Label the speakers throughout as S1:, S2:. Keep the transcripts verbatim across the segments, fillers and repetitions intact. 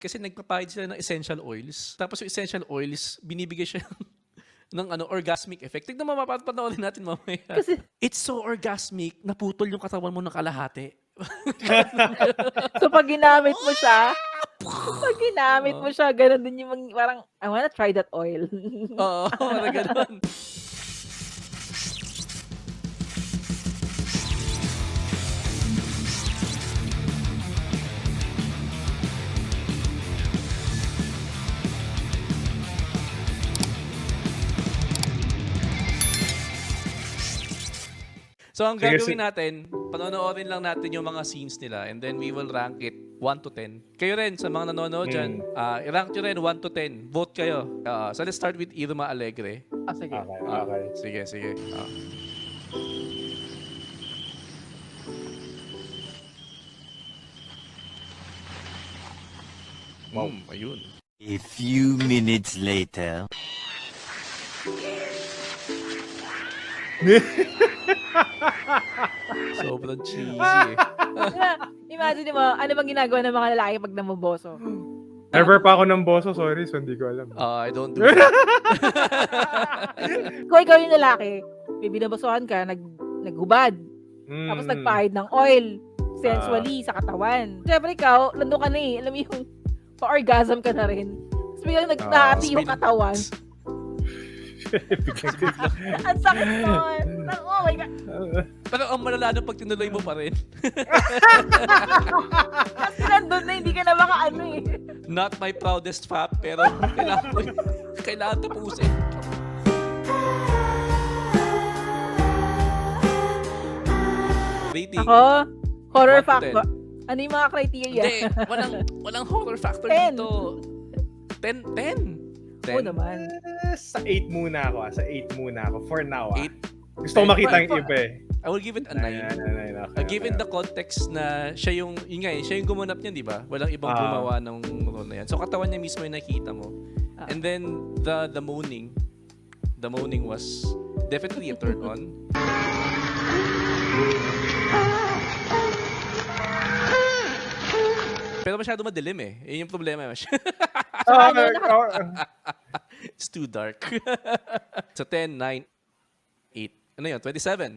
S1: Kasi nagpapahid sila ng essential oils. Tapos yung essential oils, binibigay siya ng ano, orgasmic effect. Tignan mo, mapapanoorin natin mamaya.
S2: Kasi
S1: It's so orgasmic, naputol yung katawan mo ng kalahati.
S2: So, pag ginamit mo siya, pag ginamit mo
S1: Oo.
S2: siya, gano'n din yung mang parang, "I wanna try that oil."
S1: Oo, parang gano'n. So, ang
S3: Sige,
S1: gagawin
S3: si
S1: natin, panonoorin lang natin yung mga scenes nila and then we will rank it one to ten. Kayo rin, sa mga nanonood dyan,
S3: Hmm.
S1: ah, i-rank nyo rin one to ten. Vote kayo. Ah, so, let's start with Irma Alegre.
S2: Ah, sige.
S3: Okay,
S1: Ah,
S3: okay.
S1: sige, sige. Ah.
S3: Wow.
S1: Mm, ayun.
S4: A few minutes later.
S1: Sobrang cheesy eh.
S2: Diba, imagine mo, ano bang ginagawa ng mga lalaki pag namoboso?
S3: Never pa ako ng boso, sorry, so hindi ko alam.
S1: Ah, I don't do that.
S2: Kung ikaw yung lalaki, may binabosohan ka, nag, naghubad, tapos
S3: Mm.
S2: nagpahid ng oil, sensually, sa katawan. Siyempre ikaw, nandun ka na eh, alam mo yung pa-orgasm ka na rin. Tapos biglang nag-
S3: Ah,
S2: nahati yung
S1: spin-
S2: katawan. Ang sakit nun. Nang- Oh my God.
S1: Pero ang malala nung pag tinuloy mo pa rin.
S2: Kasi nandun na, hindi ka na makaano eh.
S1: Not my proudest fap, pero kailangan ko, kailangan tapusin. Rating.
S2: Ako, horror
S1: One to
S2: factor. Ano yung mga criteria?
S1: Hindi, walang, walang horror factor
S2: Ten.
S1: dito. ten, ten.
S2: Oo naman.
S3: Eh, sa eight muna ako, ah. Sa eight muna ako. For now, ah.
S1: Eight.
S3: Gusto ko
S1: Ten.
S3: makita yung
S2: For-
S3: iba eh.
S1: I will give it a
S3: Nine,
S1: nine.
S3: nine, nine, okay,
S1: Uh, given
S3: okay.
S1: the context na siya yung, yun nga eh, siya yung gumanap niyan, di ba? Walang ibang
S3: Ah.
S1: gumawa ng role na yan. So katawan niya mismo yung nakita mo.
S2: Ah.
S1: And then the the moaning, the moaning was definitely a turn on. Pero masyado madilim eh. Yun yung problema.
S3: Ah,
S2: ano, naka-
S3: ah,
S1: It's too dark. So ten, nine, eight. Ano yun? twenty-seven.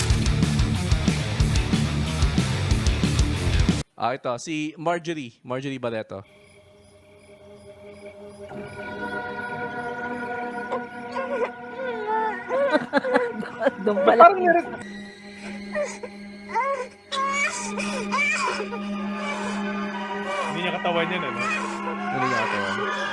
S1: Ah, ito. Si Marjorie. Marjorie Barreto.
S2: Doon pala.
S3: parang meron. Hindi niya katawan yan, ano?
S1: Ano nga ito?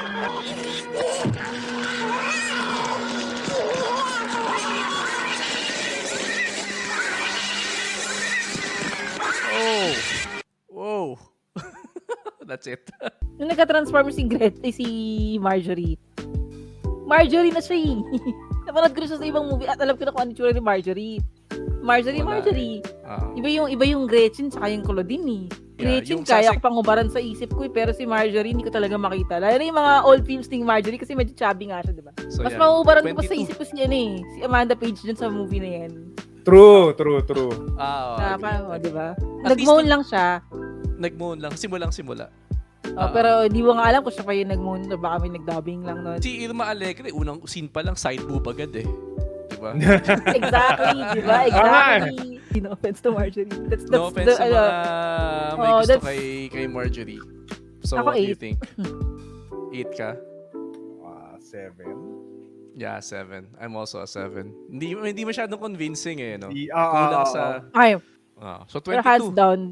S1: Oh! Whoa! That's it.
S2: Nung nagka-transform si Gret, eh, si Marjorie. Marjorie na siya eh. Napanood ko na siya sa ibang movie at alam ko na kung ano yung tsura ni Marjorie. Marjorie,
S1: Wala
S2: Marjorie.
S1: Ah.
S2: Iba yung iba yung Gretchen saka yung Claudine eh.
S1: Yeah,
S2: Gretchen
S1: yung
S2: kaya
S1: sasek-
S2: ko pang ubaran sa isip ko eh, pero si Marjorie hindi ko talaga makita. Lalo na yung mga old films ni Marjorie kasi medyo chubby nga siya, di ba?
S1: So,
S2: Mas
S1: yan.
S2: mauubaran ko pa sa
S1: twenty-two.
S2: isip ko si ano eh, si Amanda Page dun sa movie na yan.
S3: True, true, true.
S1: Ah, oh,
S2: Ah,
S1: agree,
S2: parang, oh,
S1: agree.
S2: di ba?
S1: At
S2: Nag-moan
S1: least
S2: lang siya.
S1: Nag-moan lang. Simulang simula.
S2: Oh,
S1: Ah.
S2: pero di mo nga alam kung siya pa yung nag-moan o baka may nag-dubbing lang nun.
S1: Si Irma Alegre, unang scene pa lang, side boob agad eh. Diba?
S2: Exactly, di ba? Exactly. No offense to Marjorie. That's, that's
S1: No offense
S2: the,
S1: sa
S2: ano,
S1: mga may
S2: oh,
S1: gusto
S2: that's-
S1: kay, kay Marjorie. So,
S2: Ako
S1: what do you
S2: eight.
S1: think? Eight ka?
S3: Ah, seven.
S1: Yeah, seven. I'm also a seven. Hindi hindi masyadong convincing eh, no?
S3: Di- ah,
S1: Kulang
S3: ah,
S1: sa...
S3: ah,
S2: ay,
S1: Ah, so,
S2: pero hands
S1: twenty-two.
S2: down.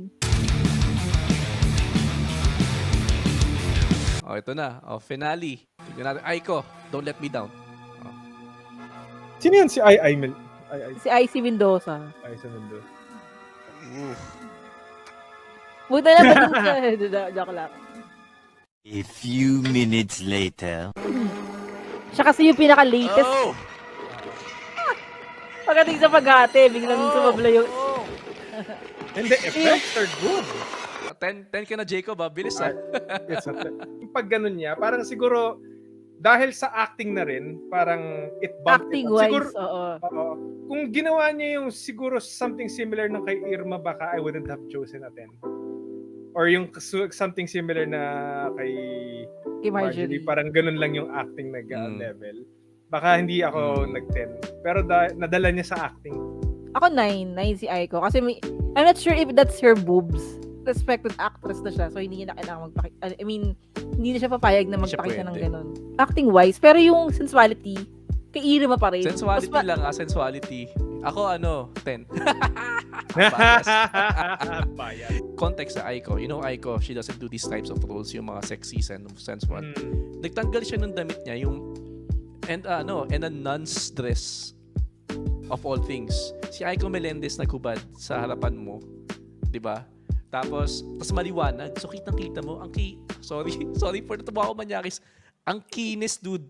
S1: Oh, ito na. Oh, finale. Tignan natin. Aiko, don't let me down.
S3: Sino yan? Si Ai Ai Mel? Ai Ai
S2: Si Icy Mendoza.
S3: Ai sa mundo.
S1: Oof.
S2: Buta na ba dun sa... Jo- Joke lang.
S4: A few minutes later.
S2: Siya kasi yung pinaka-latest.
S1: Oh!
S2: Pagdating sa paghati, biglang
S1: Oh!
S2: sumabla yung...
S1: Oh!
S3: And the effects are good.
S1: ten, ten ka na, Jacob, ah. Bilis, ah.
S3: It's a, yung pag ganun niya, parang siguro, dahil sa acting na rin, parang it bumped it up. Siguro,
S2: Acting-wise, oo.
S3: oo. Kung ginawa niya yung siguro something similar ng kay Irma, baka I wouldn't have chosen a ten. or yung su- something similar na kay
S2: Kay
S3: Marjorie,
S2: Marjorie.
S3: parang ganun lang yung acting nag uh,
S1: Mm.
S3: level. Baka hindi ako
S1: Mm.
S3: nag-ten. Pero da- nadala niya sa acting.
S2: Ako nine. nine si Aiko. Kasi may, I'm not sure if that's her boobs. Respected actress na siya. So, hindi niya na kailangan magpakita. I mean, hindi na siya papayag na
S1: Hindi siya
S2: magpakita ng
S1: pwede.
S2: ganun. Acting-wise. Pero yung sensuality, kay Irma pa rin.
S1: Sensuality
S2: Mas ma-
S1: lang, ah, sensuality. Ako ano, ten. Bias.
S3: Bayan.
S1: Context sa Aiko. You know Aiko, she doesn't do these types of roles, yung mga sexy and sensual.
S3: Mm.
S1: Nagtanggal siya ng damit niya, yung and uh, ano, and a nun's dress of all things. Si Aiko Melendez naghubad sa harapan mo, 'di ba? Tapos, tas maliwanag. So kitang-kita mo, ang ki sorry, sorry for natuwa ako manyakis. Ang kinis, dude.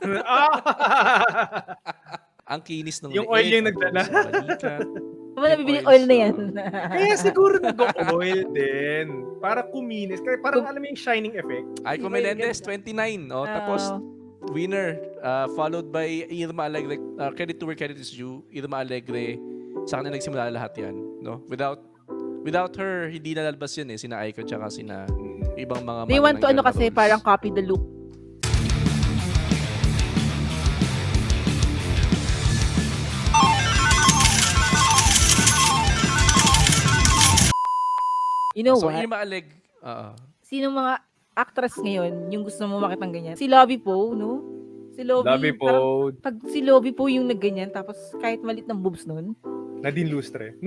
S1: Ang kinis ng
S3: Yung oil
S1: leeg,
S3: yung
S1: ang
S3: nagdala.
S1: kinis ng balikat.
S2: Wala
S1: Yung
S2: nabibili
S1: oil
S2: oil na
S1: sa-
S2: yan.
S3: Kaya siguro nag-oil din. Para kuminis. Kaya parang alam mo yung shining effect.
S1: Aiko
S2: Iba yung
S1: Melendez,
S2: ganda.
S1: twenty-nine. Oh,
S2: Ah,
S1: tapos, winner, uh, followed by Irma Alegre. Uh, credit to where credit is due. Irma Alegre, sa kanya nagsimula lahat yan. No? Without without her, hindi nalalabas yun eh. Sina Aiko tsaka sina ibang mga
S2: they want to ano
S1: manananggal na
S2: kasi,
S1: roles.
S2: parang copy the look. You know
S1: So,
S2: what?
S1: Irma Aleg, uh,
S2: Sino mga actress ngayon yung gusto mo makitang ganyan? Si Lovie Poe, no? Si Lovie.
S3: Labi
S2: parang-
S3: po.
S2: Pag si Lovie Poe yung nagganyan, tapos kahit malit ng boobs nun.
S3: Nadine Lustre.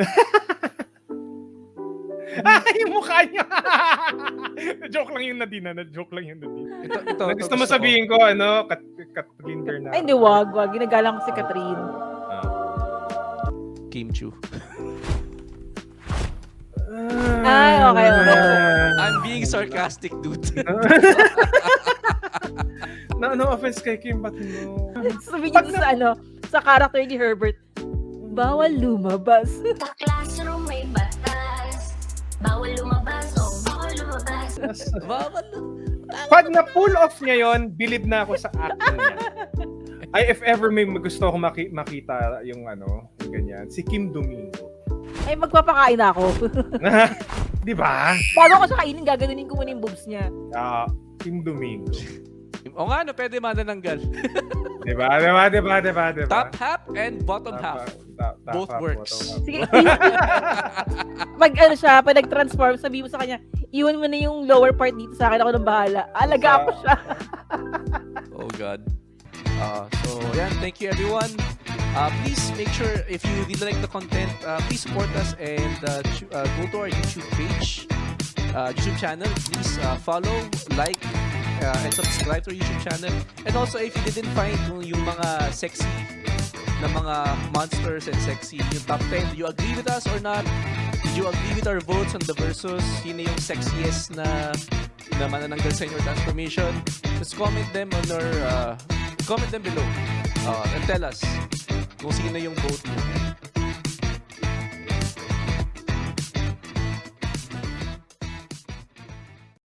S3: Ay, yung mukha niya. Na-joke lang yung Nadine. ah. Na-joke lang yung Nadine.
S1: ito, ito,
S3: Na
S1: ito
S3: gusto mo
S1: ko.
S3: sabihin ko, ano, Kat Kathleen Bernardo.
S2: Ay, hindi, wag, wag. Ginagalang ko si Catherine.
S3: Ah.
S1: Kim Chu.
S2: Ay, okay, okay.
S1: I'm being sarcastic, dude.
S3: No, no offense kay Kim, but no.
S2: Sabi niya sa ano, sa character ni Herbert, bawal lumabas.
S5: Sa classroom may batas. Bawal lumabas, oh, bawal lumabas.
S1: Bawal.
S3: Pag na-pull off niya yon, believe na ako sa acting niya. Ay, if ever may gusto ko maki- makita yung ano, yung ganyan, si Kim Domingo.
S2: Ay, magpapakain na ako.
S3: Di ba?
S2: Bago ko siya kainin, gaganunin ko muna yung boobs niya.
S3: Ah, Kim Domingo.
S1: O nga, no, pwede manananggal.
S3: Di ba? Di ba? Di ba? Di ba? Di ba?
S1: Top half and bottom
S3: Top
S1: half.
S3: top- top
S1: Both
S3: half,
S1: works.
S3: bottom half.
S2: Sige. Pag ano siya, pag nag-transform, sabi mo sa kanya, iwan mo na yung lower part dito sa akin, ako nang bahala. Alaga
S3: Sa-
S2: ko siya.
S1: Oh God. Uh, so yeah, thank you everyone. Uh, please make sure if you really like the content, uh, please support us and uh, chu- uh, go to our YouTube page, uh, YouTube channel. Please uh, follow, like, uh, and subscribe to our YouTube channel. And also if you didn't find yung, yung mga sexy na mga monsters and sexy, yung top ten, do you agree with us or not? Did you agree with our votes on the versus? Sino yung sexiest na na manananggal sa inyo transformation? Just comment them on our uh, comment them below uh, and tell us kung sino yung vote nyo.